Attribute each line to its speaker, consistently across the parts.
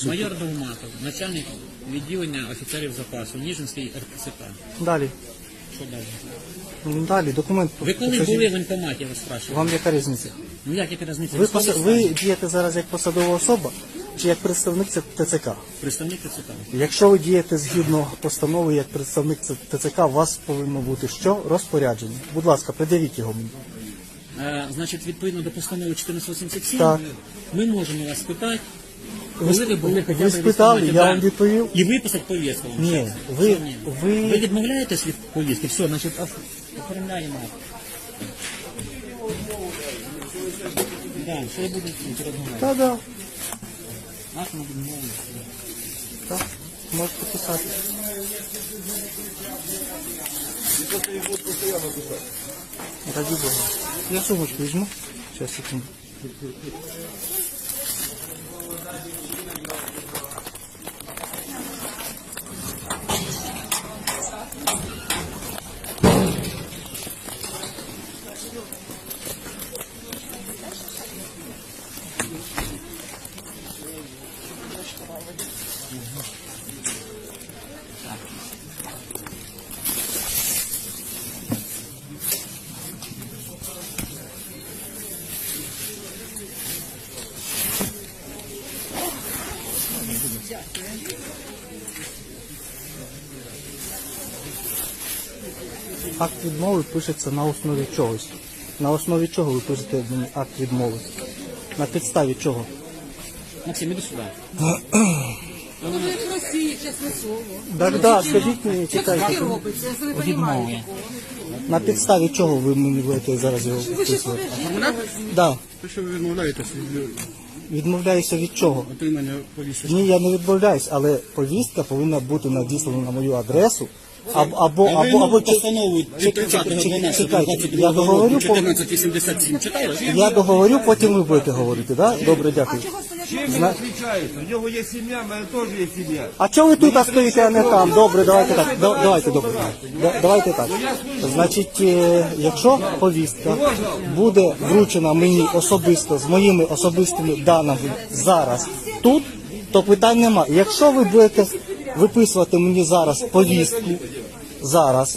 Speaker 1: суті.
Speaker 2: Майор Довматов, начальник відділення офіцерів запасу, Ніжинський РТЦК.
Speaker 1: Далі.
Speaker 2: Що далі?
Speaker 1: Ну, далі, документ.
Speaker 2: Ви коли
Speaker 1: покажіть.
Speaker 2: були в воєнкоматі, я вас спрашиваю?
Speaker 1: Вам яка різниця?
Speaker 2: Ну як яка різниця?
Speaker 1: Ви дієте зараз як посадова особа чи як представник ТЦК?
Speaker 2: Представник ТЦК.
Speaker 1: Якщо ви дієте згідно постанови як представник ТЦК, у вас повинно бути що? Розпорядження. Будь ласка, придивіть його мені.
Speaker 2: Значить, відповідно до постанови 1487,
Speaker 1: Так.
Speaker 2: ми можемо вас спитати, коли ви були хоча б
Speaker 1: Ви
Speaker 2: в
Speaker 1: спитали,
Speaker 2: військкоматі,
Speaker 1: я
Speaker 2: да,
Speaker 1: вам відповів.
Speaker 2: і виписати повістку. вам
Speaker 1: Ні,
Speaker 2: ще.
Speaker 1: ви-
Speaker 2: Що ні?
Speaker 1: ви-
Speaker 2: Ви відмовляєтесь від повістки? Все, значить, оформляємо. Да, що я буду розмовляти?
Speaker 1: Так.
Speaker 2: Нас ми будемо мовити.
Speaker 1: Так, можете писати. Раді Бога. Я сумочку візьму. Сейчас, секунду. Акт відмови пишеться на основі чогось. На основі чого ви пишете мені акт відмови? На підставі чого?
Speaker 2: Максим, іди сюди.
Speaker 3: Ну, ви в Росії, чесне слово.
Speaker 1: Так, скажіть мені,
Speaker 3: Як
Speaker 1: чекайте.
Speaker 3: таке робиться? Я не
Speaker 2: Відмови.
Speaker 3: розумію.
Speaker 1: На підставі чого ви мені будете зараз його
Speaker 3: Ви ще
Speaker 1: вписувати?
Speaker 3: подождіть.
Speaker 1: Да.
Speaker 4: То, що ви відмовляєтесь від
Speaker 1: Відмовляюся від чого?
Speaker 4: отримання повістки.
Speaker 1: Ні, я не відмовляюсь, але повістка повинна бути надіслана на мою адресу. Або
Speaker 4: постанову від 30.12.22
Speaker 1: чекайте, я договорю,
Speaker 4: 1487 читали?
Speaker 1: я договорю, потім ви будете говорити, да? Добре, дякую.
Speaker 5: Чем он отличается? У него есть семья, моя тоже есть семья.
Speaker 1: А чого ви тут стоїте, а не там? Добре, давайте так. Давайте, добре. Давайте так. Значить, якщо повістка буде вручена мені особисто з моїми особистими даними зараз тут, то питань немає. Якщо ви будете виписувати мені зараз повістку, зараз,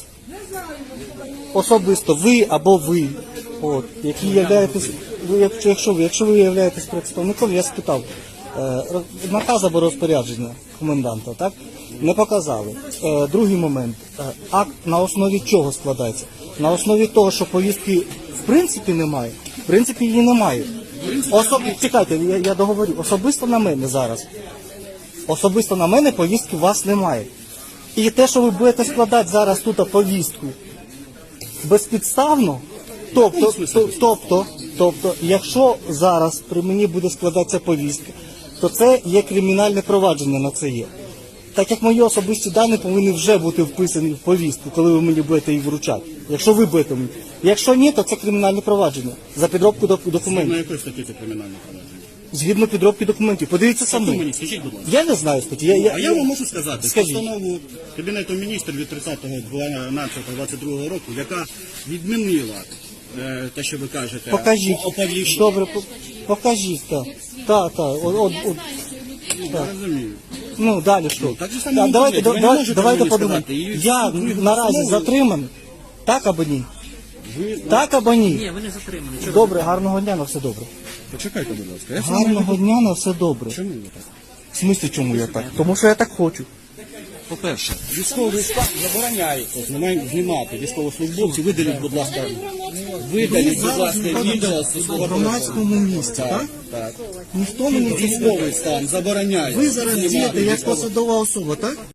Speaker 1: особисто ви або ви, от, які являєтесь, якщо ви являєтесь представником, я спитав, наказ або розпорядження коменданта, так? Не показали. Другий момент. Акт на основі чого складається? На основі того, що повістки в принципі немає. В принципі її немає. Чекайте, я договорю. Особисто на мене зараз. Особисто на мене повістки у вас немає. І те, що ви будете складати зараз тут повістку безпідставно, тобто, якщо зараз при мені буде складатися повістка, то це є кримінальне провадження на це є. Так як мої особисті дані повинні вже бути вписані в повістку, коли ви мені будете її вручати. Якщо ви будете мені. Якщо ні, то це кримінальне провадження за підробку
Speaker 4: На
Speaker 1: документів.
Speaker 4: якої статті це кримінальне провадження?
Speaker 1: Згідно підробки документів. Подивіться
Speaker 4: Хто
Speaker 1: самі.
Speaker 4: мені, скажіть, будь ласка.
Speaker 1: Я не знаю статті.
Speaker 4: А я вам можу сказати,
Speaker 1: Скажіть.
Speaker 4: постанову Кабінету міністрів від 30.12.22 року, яка відмінила те, що ви кажете,
Speaker 1: Покажіть.
Speaker 4: оповіщення.
Speaker 1: Добре, покажіть, так. Так.
Speaker 4: Я розумію.
Speaker 1: Ну, далі що?
Speaker 4: так же само
Speaker 1: Давайте,
Speaker 4: ви не можете
Speaker 1: давайте
Speaker 4: мені
Speaker 1: подумаємо.
Speaker 4: сказати. І
Speaker 1: Я наразі
Speaker 4: постанову-
Speaker 1: затриманий. Так або ні?
Speaker 4: Ви...
Speaker 1: Так або ні?
Speaker 2: Ні, ви не затримані. Чого?
Speaker 1: Добре, гарного дня, на все добре.
Speaker 4: Почекайте, будь ласка. Я сам
Speaker 1: Гарного дня, на все добре.
Speaker 4: Чому ви так?
Speaker 1: В смислі, чому я так? Тому що я так хочу.
Speaker 4: По-перше, військовий стан забороняється знімати військовослужбовців. Видаліть, будь ласка, відео з
Speaker 1: В громадському місці, так?
Speaker 4: Так.
Speaker 1: Ніхто мені
Speaker 4: Військовий стан забороняє.
Speaker 1: Ви зараз
Speaker 4: знімати
Speaker 1: дієте як
Speaker 4: військових.
Speaker 1: посадова особа, так?